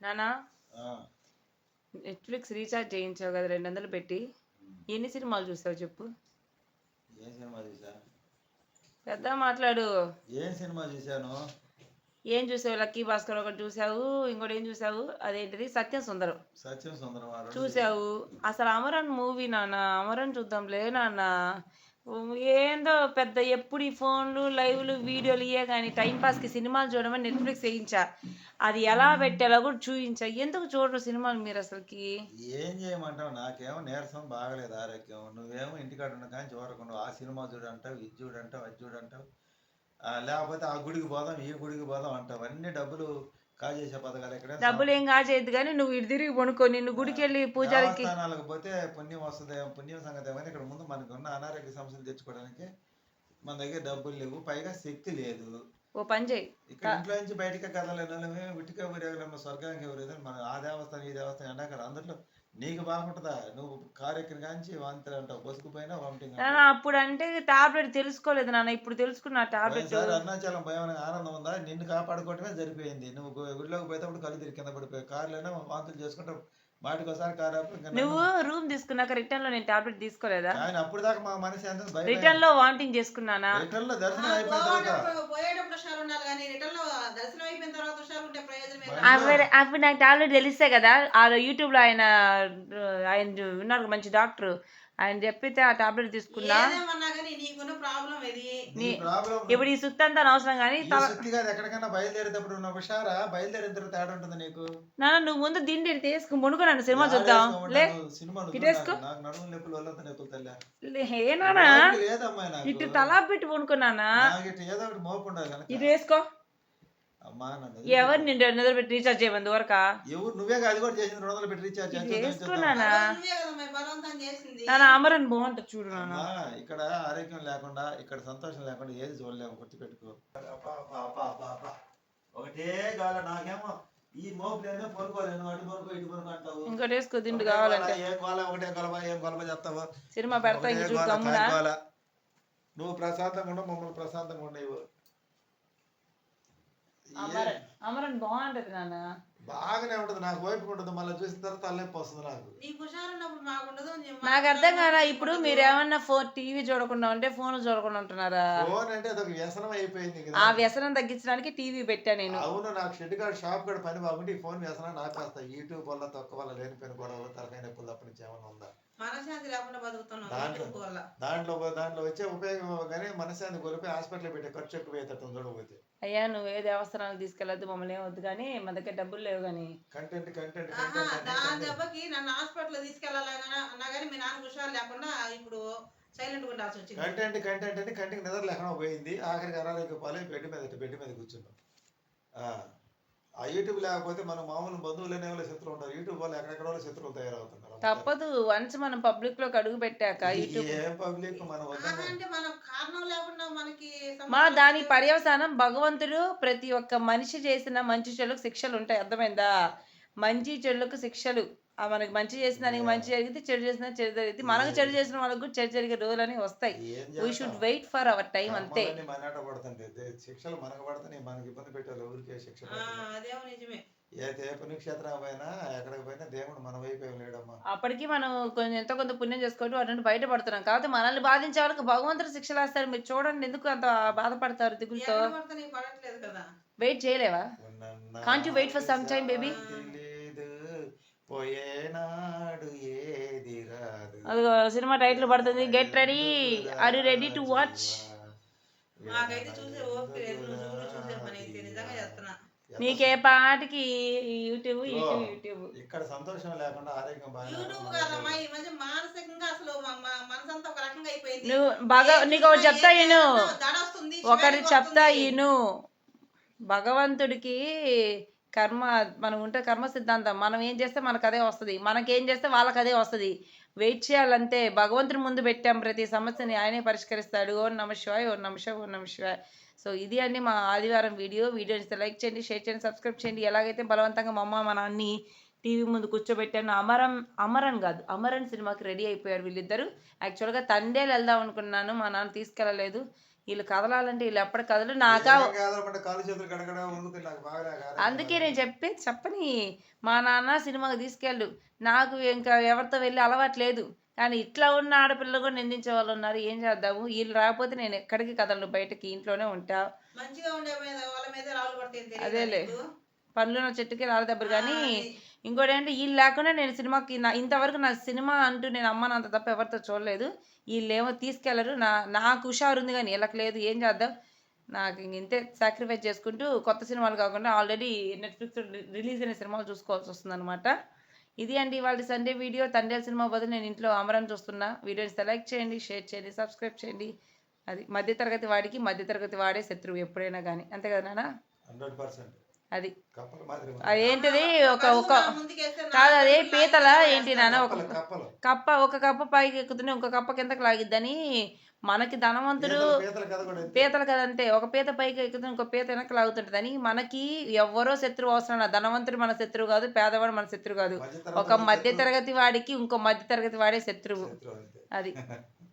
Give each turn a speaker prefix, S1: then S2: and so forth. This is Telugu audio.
S1: నానా
S2: ఆ,
S1: నెట్ఫ్లిక్స్ రీఛార్జ్ చేయించావు కదా 200 పెట్టి ఎన్ని సినిమాలు చూసావు చెప్పు.
S2: ఏం సినిమా చూసా?
S1: పెద్ద మాట్లాడు.
S2: ఏం సినిమా చూశాను?
S1: ఏం చూసావు? లక్కీ భాస్కర్ ఒకటి చూసావు, ఇంకోటి ఏం చూసావు? అదేంటిది సత్యం సుందరం
S2: సత్యం సుందరం ఆ రెండు
S1: చూసావు. అసలు అమరన్ మూవీ నాన్న, అమరన్ చూద్దాంలే నాన్న. ఏందో పెద్ద ఎప్పుడు ఈ ఫోన్లు లైవ్లు వీడియోలు ఇయే కానీ టైంపాస్కి సినిమాలు చూడమని నెట్ఫ్లిక్స్ వేయించా. అది ఎలా పెట్టాలో కూడా చూపించా. ఎందుకు చూడరు సినిమాలు మీరు అసలుకి?
S2: ఏం చేయమంటావు? నాకేమో నీరసం బాగలేదు, ఆరోగ్యం. నువ్వేమో ఇంటికాడ ఉన్న కానీ చూడకుండా ఆ సినిమా చూడంటావు, ఇది చూడంటావు, అది చూడంటావు. లేకపోతే ఆ గుడికి పోదాం, ఈ గుడికి పోదాం అంటావు. అన్ని డబ్బులు కాజేసే పథకాలు ఎక్కడ?
S1: డబ్బులు ఏం కాజేయద్దు కానీ నువ్వు ఇటు తిరిగి పనుకో. నిన్ను గుడికి వెళ్ళి పూజారికి
S2: దేవస్థానాలకు పోతే పుణ్యం వస్తుంది, పుణ్యం సంగతి ఏమని ఇక్కడ ముందు మనకు ఉన్న అనారోగ్య సమస్యలు తెచ్చుకోవడానికి మన దగ్గర డబ్బులు లేవు, పైగా శక్తి లేదు.
S1: ఓ పని చేయి.
S2: ఇక్కడ ఇంట్లో నుంచి బయటకే కదలేని విటికే ఊరేగలేము, స్వర్గానికి ఊరేది మన ఆ దేవస్థానం ఈ దేవస్థానం ఎండాక అందరిలో నీకు బాగుంటుందా? నువ్వు కారు ఎక్కిన కాంచి వాంతులు అంటావు, బొసుకుపోయినా వామిటింగ్.
S1: అప్పుడు అంటే టాబ్లెట్ తెలుసుకోలేదు నాన్న, ఇప్పుడు తెలుసుకున్నా టాబ్లెట్.
S2: అరుణాచలం భయం ఆనందం ఉందా? నిన్ను కాపాడుకోవటమే సరిపోయింది. నువ్వు గుడిలోకి పోయేటప్పుడు కళ్ళు తిరిగి కింద పడిపోయి కార్లోనే వాంతులు చేసుకుంటావు. మాటికి ఒకసారి కారు
S1: నువ్వు రూమ్ తీసుకున్నాక రిటర్న్ లో నేను టాబ్లెట్ తీసుకోలేదా?
S2: ఆయన అప్పుడు దాకా మా మనసు ఎంత
S1: రిటర్న్ లో వామిటింగ్ చేసుకున్నానా?
S2: రిటర్న్ లో దర్శనం అయిపోయిన
S1: అప్పుడు నాకు టాబ్లెట్ తెలిస్తే కదా. ఆ యూట్యూబ్ లో ఆయన ఉన్నారు మంచి డాక్టర్, ఆయన చెప్పితే ఆ టాబ్లెట్ తీసుకున్నా. ఇప్పుడు ఈ సుత్తి అంతా అవసరం కానీ
S2: ఎక్కడికైనా బయలుదేరేటప్పుడు ఉన్న హుషారా, బయలుదేరిన తర్వాత తేడా ఉంటుంది నీకు.
S1: నాన్న నువ్వు ముందు దీన్ని తీసుకుని మునుకున్నాను సినిమా చూద్దాం. ఇటు తలా పెట్టి పనుకున్నానా? ఇటు వేసుకో. ఎవరు నిన్ను 200 పెట్టి రీఛార్జ్ చేయమంది వరకా?
S2: ఎవరు? నువ్వే అది కూడా చేసింది 200 పెట్టి రీఛార్జ్
S1: చేసుకున్నానా? నాన్న అమరన్ బాగుంటుంది చూడు నాన్న.
S2: ఇక్కడ ఆరోగ్యం లేకుండా, ఇక్కడ సంతోషం లేకుండా ఏది చూడలేము, గుర్తుపెట్టుకో. ఒకటే గాల నాకేమో ఈ మోపులేనే పనుకోలేను, అటు పనుకో ఇటు పనుకో అంటావు.
S1: ఇంకోటి వేసుకో దిండు కావాలంటే.
S2: ఏం గోల, ఒకటే గొలవ, ఏం గొలవ చెప్తావు?
S1: సినిమా పెడతా ఇంక చూద్దాం.
S2: నువ్వు ప్రశాంతంగా ఉండవు, మమ్మల్ని ప్రశాంతంగా ఉండవు.
S1: అమరన్ బాగుంటది నాన్న.
S2: బాగానే ఉంటది, నాకు వైపు ఉంటుంది. మళ్ళీ చూసిన తర్వాత తలనొప్పి వస్తుంది నాకు.
S1: నాకు అర్థం కాదా. ఇప్పుడు మీరు ఏమన్నా టీవీ చూడకుండా ఉంటే ఫోన్ చూడకుండా ఉంటున్నారా?
S2: ఫోన్ అంటే అదొక వ్యసనం అయిపోయింది.
S1: ఆ వ్యసనం తగ్గించడానికి టీవీ పెట్టా నేను.
S2: అవును, నాకు షెడ్ కార్డ్ షాప్ కూడా పని బాగుంటే ఈ ఫోన్ వ్యసనం నాకేస్తా. యూట్యూబ్ వల్ల తక్కువ వల్ల లేనిపోయిన గొడవలు, తలకాయ నొప్పులు తప్ప నుంచి ఏమైనా ఉందా? దాంట్లో వచ్చే ఉపయోగం కానీ మనశాంతి కోల్పోయి హాస్పిటల్ పెట్టే ఖర్చు ఎక్కువ అవుతుంది చూడకపోతే.
S1: అయ్యా నువ్వు ఏ దేవస్థానానికి తీసుకెళ్ళద్దు, మమ్మల్ని ఏమొద్దు కానీ మా దగ్గర డబ్బులు లేవు. కానీ
S2: కంటెంట్
S3: నన్ను హాస్పిటల్ తీసుకెళ్ళాలన్నా కానీ మీ నాన్న హుషారు లేకుండా ఇప్పుడు సైలెంట్ ఉండాల్సి వచ్చింది.
S2: కంటెంట్ అంటే కంటికి నిద్ర లేకుండా పోయింది. ఆఖరికి అనారోగ్య పాలై బెడ్ మీద కూర్చున్నాం. ఆ యూట్యూబ్ లేకపోతే మనం మామూలు బంధువులనే వాళ్ళ శత్రువులు ఉంటారు. యూట్యూబ్ వల్ల ఎక్కడెక్కడ వాళ్ళ శత్రువులు తయారవుతున్నారు.
S1: తప్పదు, వన్స్ మనం పబ్లిక్ లోకి అడుగు పెట్టాక యూట్యూబ్
S2: పబ్లిక్
S1: మా దాని పర్యవసానం భగవంతుడు ప్రతి ఒక్క మనిషి చేసిన మంచి చెడులకు శిక్షలు ఉంటాయి. అర్థమైందా? మంచి చెడులకు శిక్షలు. మనకి మంచి చేసిన దానికి మంచి జరిగింది, చెడు చేసిన చెడు జరిగింది. మనకు చెడు చేసిన వాళ్ళకు కూడా చెడు జరిగే రోజులని వస్తాయి. We should wait for our time అంతే.
S2: శిక్షలు మనకు పడుతున్నాయి, మనకి ఇబ్బంది పెట్టాలి. ఊరికే శిక్ష ఏ పుణ్యక్షేత్రం పోయినా ఎక్కడికి పోయినా దేవుడు మన వైపు లేడమ్మా.
S1: అప్పటికి మనం కొంచెం ఎంతో కొంత పుణ్యం చేసుకుంటూ అటు బయటపడుతున్నాం. కాబట్టి మనల్ని బాధించే వాళ్ళకి భగవంతుడు శిక్షలు వేస్తారు. మీరు చూడండి ఎందుకు అంత బాధపడతారు దిగులుతో. వెయిట్ చేయలేవా? Can't you wait for some time baby? అదిగో సినిమా టైటిల్ పడుతుంది, get ready. Are you ready to watch? నీకే పాటికి యూట్యూబ్
S2: ఇక్కడ సంతోషం లేకుండా ఆరోగ్యం
S1: నువ్వు బాగా నీకు ఒకటి చెప్తా ఇను, ఒకటి చెప్తా ఇను. భగవంతుడికి కర్మ మనం ఉంటే కర్మ సిద్ధాంతం. మనం ఏం చేస్తే మనకు అదే వస్తుంది, మనకేం చేస్తే వాళ్ళకి అదే వస్తుంది. వెయిట్ చేయాలంతే. భగవంతుని ముందు పెట్టాం, ప్రతి సమస్యని ఆయనే పరిష్కరిస్తాడు. ఓం నమ శివాయ, ఓం నమ శివాయ, ఓం నమ శివాయ. సో ఇది అండి మా ఆదివారం వీడియో ఇస్తే లైక్ చేయండి, షేర్ చేయండి, సబ్స్క్రైబ్ చేయండి. ఎలాగైతే బలవంతంగా మా అమ్మ మా నాన్ని టీవీ ముందు కూర్చోబెట్టాను. అమరన్ సినిమాకి రెడీ అయిపోయారు వీళ్ళిద్దరు. యాక్చువల్గా తండేలు వెళ్దాం అనుకున్నాను, మా నాన్న తీసుకెళ్ళలేదు. వీళ్ళు కదలాలంటే వీళ్ళు ఎప్పటి కదలు నాకా
S2: కాలు చేతులు గడగడ వణుకుతాయి నాకు బాగా
S1: అందుకే నేను చెప్పని మా నాన్న సినిమాకి తీసుకెళ్ళు నాకు ఇంకా ఎవరితో వెళ్ళి అలవాటు లేదు కానీ ఇట్లా ఉన్న ఆడపిల్లలు కూడా నిందించే వాళ్ళు ఉన్నారు ఏం చేద్దాము వీళ్ళు రాకపోతే నేను ఎక్కడికి కదలను బయటకి ఇంట్లోనే ఉంటా
S3: మంచిగా ఉండే మీద వాళ్ళ మీద రాళ్ళు పడతాయి తెలియదా
S1: అదేలే.
S3: నీకు?
S1: పనులున్న చెట్టుకి రాళ్ళ దెబ్బలు కానీ
S3: అది.
S1: ఇంకోటి ఏంటంటే వీళ్ళు లేకుండా నేను సినిమాకి ఇంతవరకు నా సినిమా అంటూ నేను అమ్మనంత తప్ప ఎవరితో చూడలేదు వీళ్ళేమో తీసుకెళ్లరు నాకు హుషారు ఉంది కానీ వీళ్ళకి లేదు ఏం చేద్దాం నాకు ఇంతే సాక్రిఫైస్ చేసుకుంటూ కొత్త సినిమాలు కాకుండా ఆల్రెడీ నెట్ఫ్లిక్స్ రిలీజ్ అయిన సినిమాలు చూసుకోవాల్సి వస్తుంది అనమాట ఇది అండి వాళ్ళ సండే వీడియో తండేల్ సినిమా బదులు నేను ఇంట్లో అమరం చూస్తున్నా వీడియోని లైక్ చేయండి షేర్ చేయండి సబ్స్క్రైబ్ చేయండి అది మధ్యతరగతి వాడికి మధ్యతరగతి వాడే శత్రువు ఎప్పుడైనా కానీ అంతే కదా నాన్న
S2: 100%
S1: అది
S2: కప్పల మాదిరి
S1: అదేంటిది ఒక
S3: కళ్ళు
S1: ఒక
S3: నా ముందుకేస్తే నా
S1: కాదు అదే
S3: కళ్ళు
S1: పీతల
S3: లాగి
S1: ఏంటి
S3: వేస్తాను.
S1: నాన్న ఒక
S2: కప్పలు
S1: ఒక కప్ప పైకి ఎక్కుతుంది ఇంకో కప్ప కిందకి లాగిద్దని మనకి ధనవంతుడు
S2: పీతల కథ కూడా అంతే.
S1: పీతలు కదంతే ఒక పీత పైకి ఎక్కుతుంది ఇంకో పీత వెనక్కి లాగుతుంటదని మనకి ఎవ్వరో శత్రువు అవసరం లేదు ధనవంతుడు మన శత్రువు కాదు పేదవాడు మన శత్రువు కాదు
S2: మధ్యతరగతి
S1: ఒక మధ్య తరగతి వాడికి ఇంకో మధ్య తరగతి వాడే శత్రువు
S2: శత్రువు అంతే.
S1: అది